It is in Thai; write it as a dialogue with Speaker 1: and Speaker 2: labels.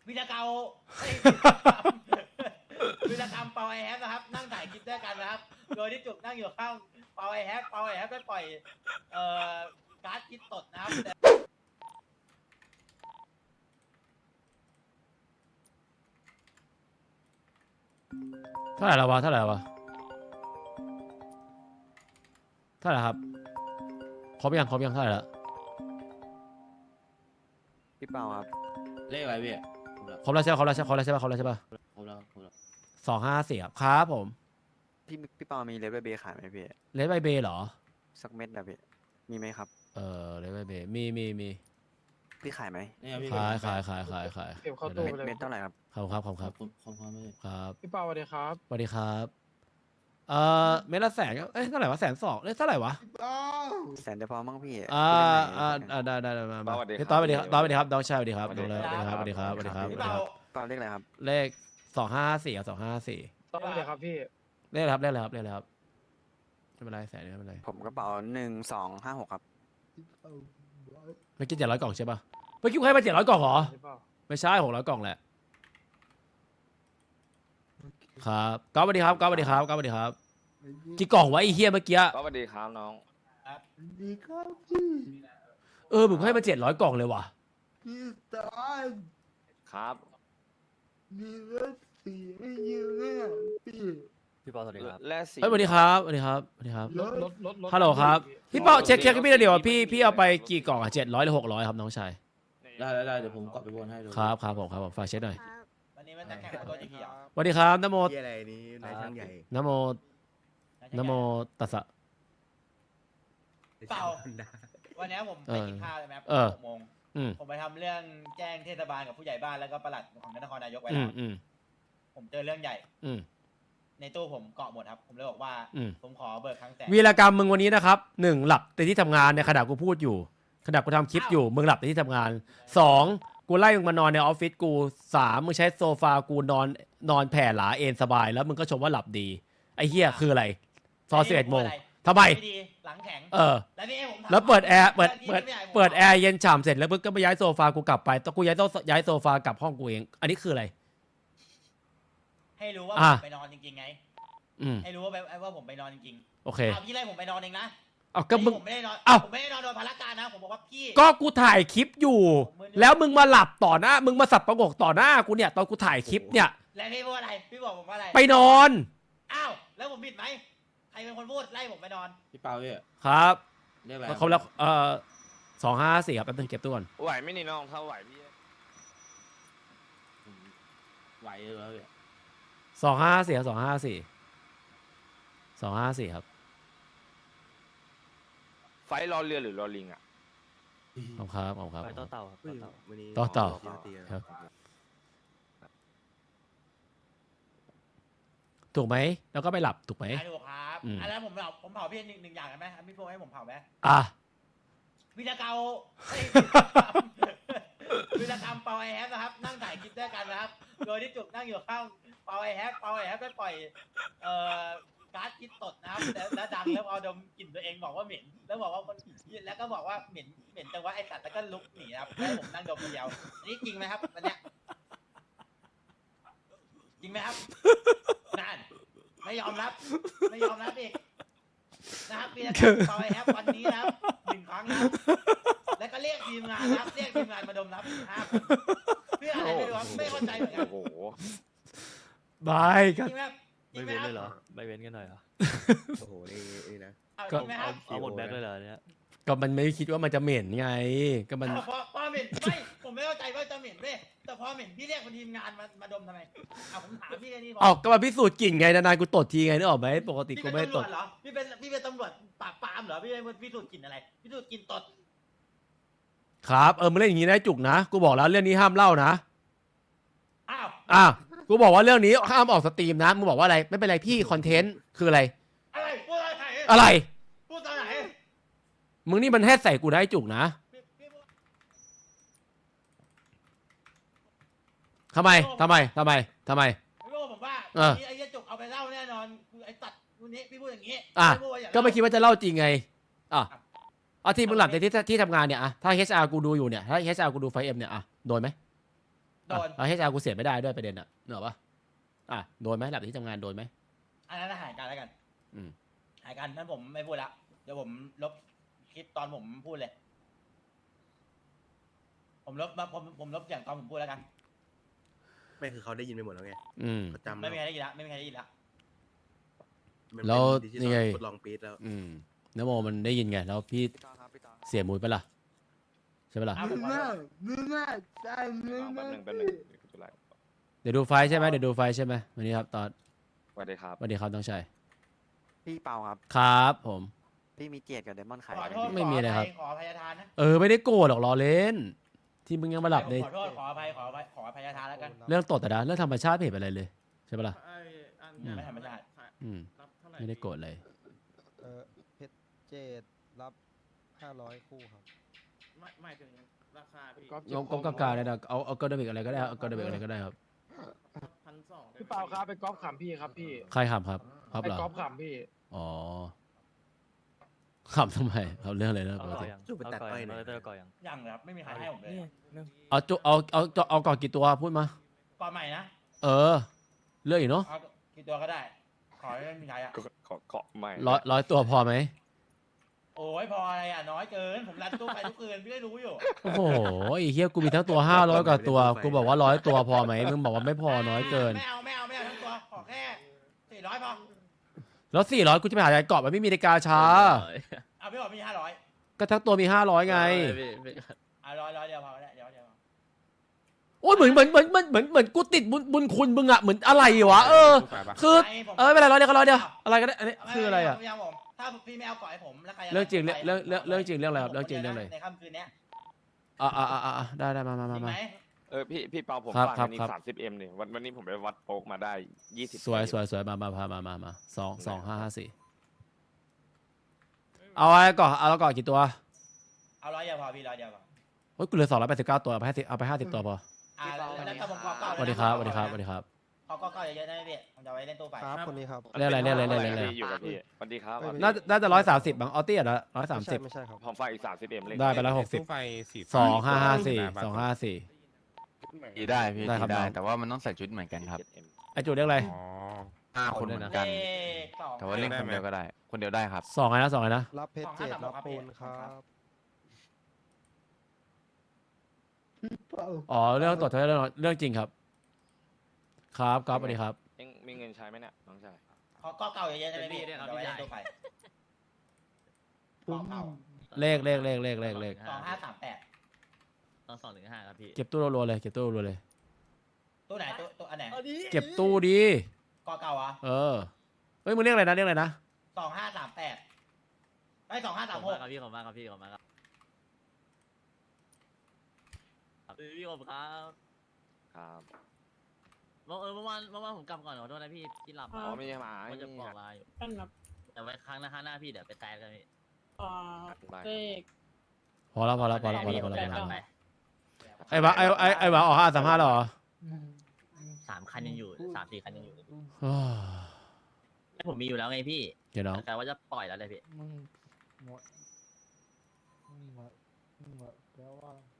Speaker 1: วิรกรรมวิรกรรมเปาไอแฮปนะครับนั่งถ่ายคลิปด้วยกันนะครับโดยที่จุกนั่งอยู่ข้างเปาไอแฮปได้ปล่อยการ์ดคิดตดนะครับ
Speaker 2: เท่าไหร่แล้ววะเท่าไหร่ครับครบยังเท่าไหร่แล้ว
Speaker 3: พี่เปาครับ
Speaker 4: เลขอะไรพี่
Speaker 2: ครบแล้วใช่ป่ะ
Speaker 4: ครบแล้ว
Speaker 2: 254ครับผม
Speaker 3: พี่เปามีเลเวลเบขายไหมพี่
Speaker 2: เลดใบเบย์เหรอ
Speaker 3: สักเม็ดนะพี่มีไหมครับ
Speaker 2: เลดใบเบย์มี
Speaker 3: พี่ขายไหม
Speaker 4: นี่ครับพี่
Speaker 2: ขาย
Speaker 5: เก็บเข้าตู้ไปเลย
Speaker 3: เม็ดเท่าไหร่ครับ
Speaker 2: ครับ
Speaker 4: ขอบคุณพี่
Speaker 2: ครับ
Speaker 5: พี่เปาสวัสดีครับ
Speaker 2: สวัสดีครับเม็ดละ100,000เอ้ยเท่าไหร่วะ120,000เท่าไหร่วะ
Speaker 3: แสนเดียวพอมั้งพี่
Speaker 2: ได้มา
Speaker 6: สวัสดีครับ
Speaker 2: พี่ต้อยสวัสดีครับน้องชายสวัสดีครับสวัสดีครับ
Speaker 1: พี่เปา
Speaker 3: เปาเลขอะไรครับ
Speaker 2: เลข254ครับ254
Speaker 5: ต้องเลยครับพี่
Speaker 2: เลขอะไรครับไม่เป็นไร100,000ไม่เป็นไร
Speaker 3: ผมกระเป๋า1256ครับ
Speaker 2: เมื่อกี้700 กล่องใช่ป่ะเมื่อกี้ให้มา700 กล่องเหรอ
Speaker 5: พี่เปา
Speaker 2: ไม่ใช่600 กล่องแหละครับก๊อฟสวัสดีครับกี่กล่องวะไอ้เหี้ยเมื่อกี้
Speaker 6: สวัสดีครับน้อง
Speaker 2: มึงให้มา700 กล่องเลยว่ะ
Speaker 7: พี่ตอน
Speaker 6: ครับ
Speaker 7: มีรถสีให้ยืมเนี่ยพี่
Speaker 3: พี่เปาสวัสดีครับ
Speaker 6: แร่สี
Speaker 2: เฮ้ยสวัสดีครับ
Speaker 5: รถ
Speaker 2: ฮัลโหลครับพี่เป้าเช็คให้พี่เดี๋ยวพี่เอาไปกี่กล่องอ่ะ700หรือ600ครับน้องชาย
Speaker 4: ได้เดี๋ยวผมกดไปบนให้ดู
Speaker 2: ครับผมฝากเช็คหน่อย
Speaker 1: วันนี้มันจะแข่งตัวจริงเหรอ
Speaker 2: สวัสดีครับนะโม
Speaker 7: ที่อะไรนี้นายช่างใหญ่
Speaker 2: นะโมตัสสะ
Speaker 1: เปล่าวันนี้ผมไปกินข้าวใช่ไหมครับ6 โมง ผมไปทำเรื่องแจ้งเทศบาลกับผู้ใหญ่บ้านแล้วก็ปลัดของนครนายกไว้แล้วผมเจอเรื่องใหญ่ในตู้ผมเกาะหมดครับผมเลยบอกว่าผมขอเบิกครั้งแสน
Speaker 2: วีรกรรมมึงวันนี้นะครับ1หลับในที่ทำงานในขณะกูพูดอยู่ขณะกูทำคลิปอยู่มึงหลับในที่ทำงาน2กูไล่มึงมานอนในออฟฟิศกู3มึงใช้โซฟากูนอนแผ่หลาเอนสบายแล้วมึงก็ชมว่าหลับดีไอ้เหี้ยคืออะไรซอ11 โมงทำไม
Speaker 1: หลังแข็ง แล้วพี่ผม
Speaker 2: แล้วเปิดแอร์เปิดแอร์เย็นฉ่ำเสร็จแล้วมึงก็ไปย้ายโซฟากูกลับไปต้องกูย้ายโซฟากลับห้องกูเองอันนี้คืออะไร
Speaker 1: ให้รู้ว่าผมไปนอนจริงๆไงให้รู้ว่าผมไปนอนจริงๆ
Speaker 2: โอเค
Speaker 1: พี่ไล่ผมไปนอนเองนะ
Speaker 2: ก็มึง
Speaker 1: ผมไม่ได้นอนผมไม่ได้นอนโดนพารการนะผมบอกว่าพี่
Speaker 2: ก็กูถ่ายคลิปอยู่ แล้วมึงมาหลับต่อหน้ามึงมาสับประกบต่อหน้ากูเนี่ยตอนกูถ่ายคลิปเนี่ย
Speaker 1: แล้วพี่พูดอะไรพี่บอกผมว่าอะไร
Speaker 2: ไปนอน
Speaker 1: อ้าวแล้วผมผิดไหมใครเป็นคนพูดไล่ผมไปนอน
Speaker 4: พี่เปาพี่
Speaker 2: ครับ
Speaker 4: เลขอะไร
Speaker 2: เขาแล้ว254ครับแป๊บนึงเก็บตัวก่อน
Speaker 6: ไหวไหม่นี่น้องถ้าไหวพี่
Speaker 4: ไหวเลยแล้วพี่
Speaker 2: 254ครับ254ครับ
Speaker 6: ไฟรอเรือหรือรอลิงอ่ะ
Speaker 2: ขอบครับ
Speaker 3: ไปต่อเต่าครับ
Speaker 7: วันนี้
Speaker 2: ต่อ
Speaker 7: ครับ
Speaker 2: ถูกไหมแล้วก็ไปหลับถูกไหม
Speaker 1: ถูกครับแล้วผมเผาพี่หนึ่งอย่างกันไหมพี่โฟให้ผมเผาไหม
Speaker 2: อ่ะ
Speaker 1: วิรกรรมวิรกรรมเปาไอแฮปนะครับนั่งถ่ายคลิปด้วยกันนะครับโดยที่จุกนั่งอยู่ข้างเปาไอแฮปได้ปล่อยการ์ดคิดตดนะครับแล้วดังแล้วเอาดมกลิ่นตัวเองบอกว่าเหม็นแล้วบอกว่าคนแล้วก็บอกว่าเหม็นแต่ว่าไอสัตว์แล้วก็ลุกหนีครับแล้วผมนั่งดมคนเดียวอันนี้จริงไหมครับวันเนี้ยจริงไหมครับนั่นไม่ยอมรับอีกนะครับพี่นะครับปล่อยแฮปวันนี้นะครับ1 ครั้งนะครับแล้วก็เรียกทีมงานนะครับเรียกทีมงานมาดมนะครับ5 คนเพื่ออะไรไม่รู้ครับไม่เข้าใจเหมือนกัน
Speaker 6: โอ้โห
Speaker 2: บายค
Speaker 1: จ
Speaker 2: รับ
Speaker 1: ริงไหมครับจริงไหมครับ
Speaker 3: ไม่เว้นกันหน่อยเหรอ
Speaker 7: โอ้โหนี่นะ
Speaker 1: เอาจริงไหมครับ
Speaker 3: เอาหมดแบ็คเลยเหรอเนี่ย
Speaker 2: ก็มันไม่คิดว่ามันจะเหม็นไงก็มัน
Speaker 1: พอเหม็นไม่ผมไม่เข้าใจว่าจะเหม็นเว้ยแต่พอเหม็นพี่เรียกคนทีมงานมาดมทำไมผมถามพี่แค่นี้พอ
Speaker 2: ก็มาพิสูจน์กลิ่นไงนานๆกูตดทีไงนึกออกไหมปกติ
Speaker 1: พี่
Speaker 2: กู
Speaker 1: เป็น
Speaker 2: ไม่
Speaker 1: ตำร
Speaker 2: ต
Speaker 1: ว
Speaker 2: ด
Speaker 1: จเหรอพี่เป็นตำรวจปราบปรามเหรอพี่เป็นพิสูจน์กลิ่นอะไรพิสูจน์กลิ่นตด
Speaker 2: ครับมึงเล่นอย่างนี้นะจุกนะกูบอกแล้วเรื่องนี้ห้ามเล่านะ
Speaker 1: อ้าว
Speaker 2: กูบอกว่าเรื่องนี้ห้ามออกสตรีมนะมึงบอกว่าอะไรไม่เป็นไรพี่คอนเทนต์คืออะไร
Speaker 1: อะไรพูดอะไร
Speaker 2: อะไร
Speaker 1: พูดตอนไหน
Speaker 2: มึงนี่มันแฮดใส่กูได้จุกนะ ทำไม
Speaker 1: พี่โบ้ผมว่าไอ้เหี้ยจุกเอาไปเล่าแน่นอนไอ้ตัดวันนี้พี่พูดอย่างนี้
Speaker 2: ก็ไม่คิดว่าจะเล่าจริงไงที่มึงหลับในที่ทำงานเนี่ยถ้า HR กูดูอยู่เนี่ยถ้า HR กูดูไฟเอ็มเนี่ยโดนไหม
Speaker 1: โดน
Speaker 2: เอาให้ชากูเสียไม่ได้ด้วยประเด็นอ่ะเหนอะปะอ่ะโดนไหมหลับที่ทำงานโดนไหม
Speaker 1: อันนั้นหายกันแล้วกัน
Speaker 2: อืม
Speaker 1: หายกันนั้นผมไม่พูดละเดี๋ยวผมลบคลิปตอนผมพูดเลย ผมลบอย่างตอนผมพูดแล้วกัน
Speaker 8: ไม่คือเขาได้ยินไปหมดแล้วไง
Speaker 2: อืม
Speaker 8: เขาจำ
Speaker 1: ไม่มีใครได้ยินละไม่มีใครได้ยินละ
Speaker 8: มัน
Speaker 2: แล้ว
Speaker 8: เป็นดิจิ
Speaker 2: นี่
Speaker 8: ต
Speaker 2: ไง
Speaker 8: อลทดลองปีดแล้ว
Speaker 2: อืมนโมมันได้ยินไงแล้วพี่
Speaker 6: พี่ตอนครับพี่ตอน
Speaker 2: เสียมูดไปะล่ะใช่ปะล่ะ
Speaker 1: อ้าวผมขอโทษ
Speaker 7: ไม่ใช่ไม่
Speaker 6: แป๊บ
Speaker 7: ใช่
Speaker 6: หนึงแป๊บหนึงเดี๋ยวกูจะไล่
Speaker 2: เดี๋ยวดูไฟล์ใช่ไหมเดี๋ยวดูไฟล์ใช่ไหมวันนี้ครับตอน
Speaker 6: สวัสดีครับ
Speaker 2: วันนี้ครับต้องใช้
Speaker 9: พี่เปาครับ
Speaker 2: ครับผม
Speaker 9: พี่มีเกียรติกับเดมอนขาย
Speaker 1: ขอ
Speaker 9: ไหม
Speaker 1: โทษ
Speaker 9: พี่
Speaker 2: ไม่มีอะไรครับ
Speaker 1: ขออภัยทานนะ
Speaker 2: ไม่ได้โกรธหรอกรอเล่น ที่มึงยังมาหลับใน
Speaker 1: ขอโทษขออภัยขออภัยทานแล้วกัน
Speaker 2: เรื่องตดแต่นะเรื่องธรรมชาติไม่เห็นเป็นอะไรเลยใช่ปะล่ะ
Speaker 1: ไม่ธรรมชาติ
Speaker 2: อืมไม่ได้โกรธเลย
Speaker 5: เพชรเจดรับ 500 คู่ครับ
Speaker 4: ไม่ถึงราคาพี่
Speaker 2: งบกลางๆเลยนะเอากระดบิกอะไรก็ได้ครับเอากระดบิกอะไรก็ได้ครับ
Speaker 4: 1,200
Speaker 5: พี่เปาครับไปกอล์ฟขำพี่ครับพี่
Speaker 2: ใครขำครับครับ
Speaker 5: ไป
Speaker 2: เหรอก
Speaker 5: อล์ฟขำพี่
Speaker 2: อ๋อขำทำไมครับเรื่องอะไรนะป
Speaker 3: เอา
Speaker 2: ก
Speaker 3: ก่อ
Speaker 2: ติ
Speaker 3: ยัง
Speaker 8: จุ๊บไปตัด
Speaker 3: เอาก่อ
Speaker 8: อ้อย
Speaker 3: ยัง
Speaker 8: หน่อย
Speaker 3: เราเตอร์ก่อยัง
Speaker 1: ยังเลยครับไม่มีใครให้ผมเลย
Speaker 2: เอาก่อนกี่ตัวพูดมา
Speaker 1: ก่อนใหม่นะ
Speaker 2: เลือกอีกเนาะ
Speaker 1: เอากี่ตัวก็ได้ ขอให้ไม่มีใครอ่ะ
Speaker 6: ขอเกาะใหม่
Speaker 2: ร้อยตัวพอไหม
Speaker 1: โอ้ยพออะไรอ่ะน้อยเกิน ผมรันตู้ไปทุกคืนพี่ได้รู้อยู่
Speaker 2: โอ้โหไอ้เฮียกูมีทั้งตัว500กว่าตัวกูบอกว่า100ตัวพอไหมมึงบอกว่าไม่พอน้อยเกิน
Speaker 1: ไม่เอาทั้งตัว ขอแค่400พอ
Speaker 2: แล้ว400กูจะไปหาอะไรเกาะมันไม่มีในกาชา
Speaker 1: เอาพี่บอกมี500
Speaker 2: ก็ทั้งตัวมี500ไง
Speaker 1: อ่ะร้อยเดียวพอก็ได้เดี๋ยว
Speaker 2: โอ้ยเหมือนกูติดบุญคุณมึงอะเหมือนอะไรวะคือ
Speaker 1: ให้ผม
Speaker 2: ไม่เป็นไรร้อยเดียวก็ร้อยเดียวอะไรก็ได้อันนี้คืออะไรอะ
Speaker 1: ม่เาผมถ้าพี่ไม่เอาก่อนให้ผมแล้วใครจะ
Speaker 2: เรื่องจริง
Speaker 1: ไป
Speaker 2: เรื่องจริงเรื่องอะไรครับเรื่องจริงเรื่องอะไร
Speaker 1: ในค่ำคืนเนี้ย
Speaker 2: ได้มา
Speaker 1: จริงไหม
Speaker 6: พี่เปาผม
Speaker 2: ครับ
Speaker 6: ฝาก
Speaker 2: ครับ
Speaker 6: อันนี้
Speaker 2: ครับ
Speaker 6: 30M เนี่ยวันนี้ผมไปวัดโป๊กมาได้20
Speaker 2: สวยมา2 5 5 4เอาอะไรก่อนเอาแล้วก่อนกี่ตัว
Speaker 1: เอาร้อยเดียวพอพี่ร้อยเดียวพอ
Speaker 2: โอ้ยกูเหลือ289ตัวเอาไป50ตัวพอ
Speaker 1: แล้วถ้าผมขอเก้า
Speaker 2: สวัสดีครับสวัสดีครับสวัสดีครับ
Speaker 1: ขอเก้าเยอะๆนะพี่ผมจะไว้เล่นตู้ไฟ
Speaker 5: ครับคนนี้ครับ
Speaker 2: เรียกอะไร
Speaker 6: พี่อยู่กับพี่สวัสดีครับ
Speaker 2: น่าจะ130บางออตี้อ่ะ130
Speaker 5: ไม่ใช่ครับ
Speaker 6: ผมฝากอีก 30M เลย
Speaker 2: ได้ไปแล้ว
Speaker 10: ตู้ไฟสี
Speaker 2: 60
Speaker 10: สีได้พี่
Speaker 2: ได้ครับ
Speaker 10: สีได้
Speaker 2: น้อง
Speaker 10: แต่ว่ามันต้องใส่ชุดเหมือนกันครับ
Speaker 2: ไอจูเรียกอะไร
Speaker 10: อ๋อ5 คนเหมือนกัน
Speaker 1: เลขสอง
Speaker 10: แต่ว่าเล่นคนเดียวก็ได้ คนเดียวได้ครับ
Speaker 2: 2ไงนะ
Speaker 5: รับเพชรเจดรับปูนครับ
Speaker 7: เปล่า
Speaker 2: อ๋อเรื่องตรวจเรื่องจริงครับครับสวัสดีครับ
Speaker 6: เอ็งมีเงินใช้ไหมเนี่ยน้องชาย
Speaker 1: ขอเก้าเยอะๆใช่ไหมพี่ผมจะไว้เล่นตู้ไฟ
Speaker 7: ผม
Speaker 2: เลข
Speaker 1: 2538
Speaker 3: 215ครับพี่
Speaker 2: เก็บตู้รัวๆเลย
Speaker 1: ตู้ไหนตู้อันไหน
Speaker 2: เก็บตู้ดี
Speaker 1: กอเก่าเหรอ
Speaker 2: เฮ้ยมึงเรียกอะไรนะ
Speaker 1: 2538ไอ้
Speaker 3: ขอบคุณ
Speaker 1: 2536
Speaker 3: มากครับพี่ขอบคุณมากครับพี่ขอบคุณมากครับพี่ขอบคุณครับ
Speaker 6: ครับ
Speaker 3: เมื่อวานผมกลับก่อนขอโทษนะพี่หลับ
Speaker 6: อ๋อไม่ใช่หมา
Speaker 3: ว่า
Speaker 6: ไม่
Speaker 3: จะ
Speaker 6: มี
Speaker 3: บอก
Speaker 6: อะ
Speaker 3: ลาอยู่
Speaker 11: ตั้งนับ
Speaker 3: แต่ไว้ครั้งหน้าพี่เดี๋ยวไปแตกกันพี่
Speaker 6: ได้
Speaker 11: เลข
Speaker 2: พอแล้ว
Speaker 3: ไป
Speaker 2: ไอ้หวาออก535แล้วเหรอ
Speaker 3: 3 คันยังอยู่3-4 คันยังอยู่
Speaker 2: อ้าว
Speaker 3: ผมมีอยู่แล้วไงพี่
Speaker 2: เดี๋ยวน้อง
Speaker 3: แต่ว่าจะปล่อยแล้วเลยพี่
Speaker 7: มึงหมดแล้วว่า